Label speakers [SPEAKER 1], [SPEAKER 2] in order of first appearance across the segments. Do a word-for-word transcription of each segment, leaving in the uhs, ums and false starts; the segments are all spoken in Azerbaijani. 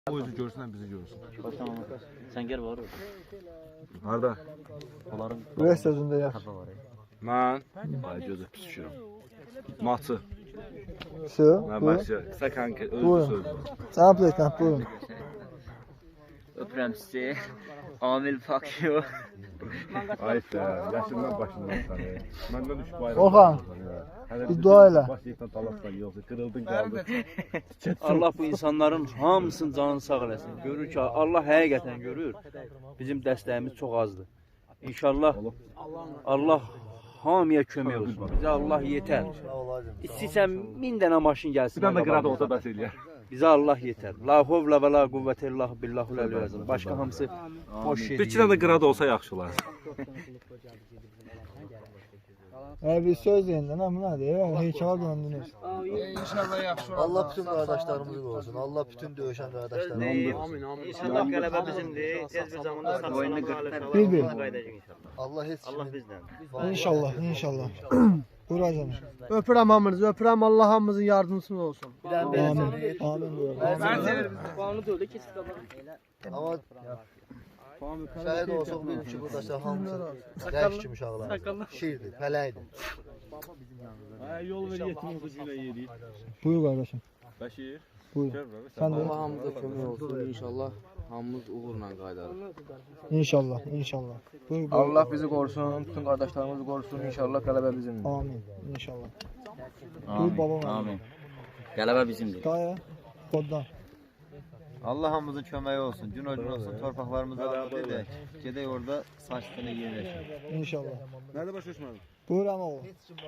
[SPEAKER 1] O yüzü görsün, bizi görsün.
[SPEAKER 2] Tamam. Sen gel var.
[SPEAKER 1] Harda?
[SPEAKER 2] Onların
[SPEAKER 3] Buraya sözünde ya.
[SPEAKER 1] Mən ay gözü pis düşürəm. Matı.
[SPEAKER 3] Su.
[SPEAKER 1] Mən
[SPEAKER 3] Bu.
[SPEAKER 1] başa qısa kanka özü
[SPEAKER 3] Buyurun.
[SPEAKER 1] söz.
[SPEAKER 3] Sana plakam buyurun.
[SPEAKER 2] öpürəm sizi. Amil fuck you.
[SPEAKER 1] Ay sən, yaşından başından səni. Məndən üç bayram.
[SPEAKER 3] Orhan, bir dua elə.
[SPEAKER 1] Başlayıqdan talasdan yoxsa qırıldın qaldın.
[SPEAKER 4] Allah bu insanların hamısının canını sağ eləsin. Görür ki, Allah həqiqətən görür. Bizim dəstəyimiz çox azdır. İnşallah Allah hamıya kömək olsun. Bizə Allah yetər. İstəyirsən min dənə maşın gəlsin.
[SPEAKER 1] Bir dənə qırada olsa bəs eləyər.
[SPEAKER 4] Bizə Allah yetər. La havla və la quvvətə illə billahul əliyyil əzim. Başqa hamısı boş şey.
[SPEAKER 1] Bir iki dənə qırada olsa yaxşı olar.
[SPEAKER 3] Ee, bir söz deyin de ne bu nedir ya? Heykala döndünüz.
[SPEAKER 5] İnşallah yaxşı olar.
[SPEAKER 6] Allah bütün qardaşlarımızı qorusun. Allah bütün döyüşən qardaşlarımızı
[SPEAKER 5] Amin, amin.
[SPEAKER 2] İnşallah qələbə bizimdir. Tez bir zamanda sağ oyunu qırılır.
[SPEAKER 3] Bir bir.
[SPEAKER 2] Qayıdacaq inşallah.
[SPEAKER 6] Allah heç
[SPEAKER 2] Allah
[SPEAKER 6] kimin
[SPEAKER 2] bizdən.
[SPEAKER 3] İnşallah, inşallah. Buyur canım.
[SPEAKER 5] Öpürəm hamınızı, öpürəm Allah hamımızın yardımcısı olsun.
[SPEAKER 3] Amin. Amin buyur.
[SPEAKER 6] Amma şəhid olsaq bilin ki, buradakı hamısı rəş kimi uşaqlar. Şiirdir, fələkdir.
[SPEAKER 1] Yol ver yetim olsa günə yedik.
[SPEAKER 3] Buyur kardeşim.
[SPEAKER 1] Bəşir.
[SPEAKER 3] Buyur. Sen de.
[SPEAKER 7] Allah hamımıza kömək olsun. İnşallah hamımız uğurla qayıdarıq.
[SPEAKER 3] İnşallah, inşallah. Buyur, buyur.
[SPEAKER 7] Allah bizi qorusun, bütün qardaşlarımızı qorusun. İnşallah qələbə bizimdir.
[SPEAKER 3] Amin. İnşallah. Buyur babam.
[SPEAKER 2] Amin. Qələbə bizimdir.
[SPEAKER 3] Daya. Koddan.
[SPEAKER 8] Allah hamımızın köməyi olsun. Gün o gün olsun. Torpaqlarımızı azad edək. Gedək orada saç üstünə yerləşək.
[SPEAKER 3] İnşallah.
[SPEAKER 1] Nədə başa düşmədin?
[SPEAKER 3] Buyur ama oğlum.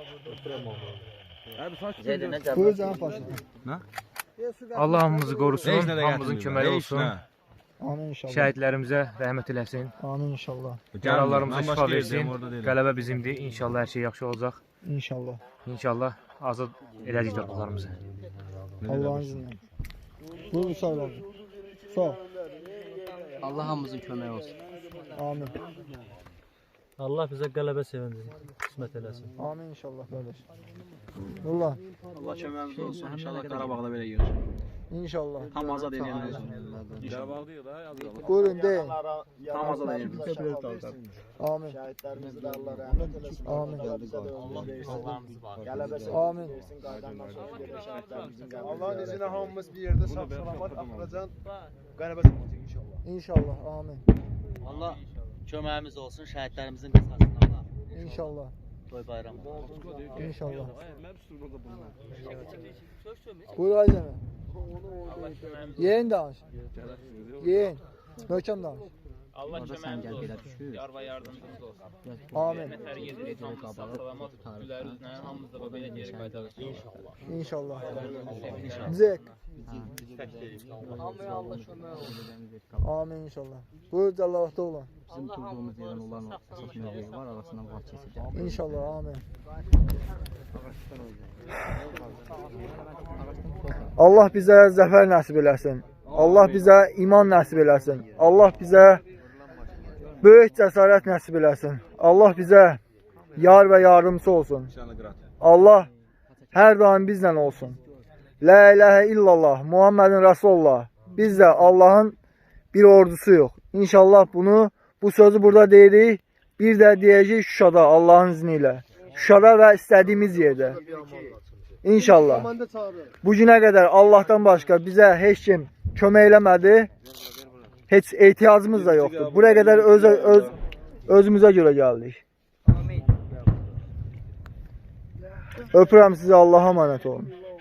[SPEAKER 1] Abi saç
[SPEAKER 2] Zeydə nə cavab?
[SPEAKER 3] Buyur canım paşa.
[SPEAKER 9] Allah hamımızı qorusun, hamımızın köməyi olsun.
[SPEAKER 3] Amin inşallah.
[SPEAKER 9] Şəhidlərimizə rəhmət eləsin.
[SPEAKER 3] Amin inşallah.
[SPEAKER 9] Yaralarımıza şifa versin. Qələbə bizimdir. İnşallah hər şey yaxşı olacaq.
[SPEAKER 3] İnşallah.
[SPEAKER 9] İnşallah azad edəcək torpaqlarımızı.
[SPEAKER 3] Allah'ın izniyle. Buyur sağ olun. Sağ ol.
[SPEAKER 7] Allah hamımızın köməyi olsun.
[SPEAKER 3] Amin.
[SPEAKER 4] Allah bizə qələbə sevindir. Qismət eləsin.
[SPEAKER 3] Amin inşallah kardeş. Nurlan.
[SPEAKER 4] Allah köməyimiz olsun. İnşallah Qarabağda belə görüşürük.
[SPEAKER 3] İnşallah.
[SPEAKER 4] Tam azad edənlər olsun.
[SPEAKER 1] Qarabağdayıq da, yazılır.
[SPEAKER 3] Buyurun deyin.
[SPEAKER 4] Tam azad edənlər.
[SPEAKER 3] Amin.
[SPEAKER 6] Şəhidlərimizə də Allah rəhmət eləsin.
[SPEAKER 3] Amin. Amin.
[SPEAKER 5] Allah'ın izniyle hamımız bir yerde sağ salamat Afracan qələbəsi olacaq inşallah.
[SPEAKER 3] İnşallah. Amin.
[SPEAKER 2] Allah köməyimiz olsun, şəhidlərimizin qisasını Allah.
[SPEAKER 3] İnşallah.
[SPEAKER 2] Toy bayramı.
[SPEAKER 3] İnşallah. Buyur Ayzeme. Yeğen danış. Yeğen. Möhkəm danış.
[SPEAKER 7] Allah köməyimiz olsun. Yar və yardımcımız olsun.
[SPEAKER 3] Amin.
[SPEAKER 7] Hər gedirik, hamımız sağ salamat gülərimizlə, hamımız da belə geri qayıdarıq inşallah.
[SPEAKER 3] İnşallah. Zek. Amin inşallah. Buyur Cəllavatda olan.
[SPEAKER 7] Bizim durduğumuz yerdən onların əsas mövqeyi var, arasından vaxt keçəcək.
[SPEAKER 3] İnşallah. Amin. Allah bizə zəfər nəsib eləsin. Allah bizə iman nəsib eləsin. Allah bizə böyük cəsarət nəsib eləsin. Allah bizə yar və yardımcısı olsun. Allah hər daim bizlə olsun. La ilahe illallah, Muhammedin Resulullah. Biz də Allahın bir ordusu yox. İnşallah bunu, bu sözü burada deyirik. Bir də deyəcək Şuşada Allahın izni ilə. Şuşada və istədiyimiz yerdə. İnşallah. Bu günə qədər Allahdan başqa bizə heç kim kömək eləmədi. Heç ehtiyacımız da yoxdur. Buraya qədər öz, öz, özümüzə görə gəldik. Öpürəm sizi, Allah'a emanet olun.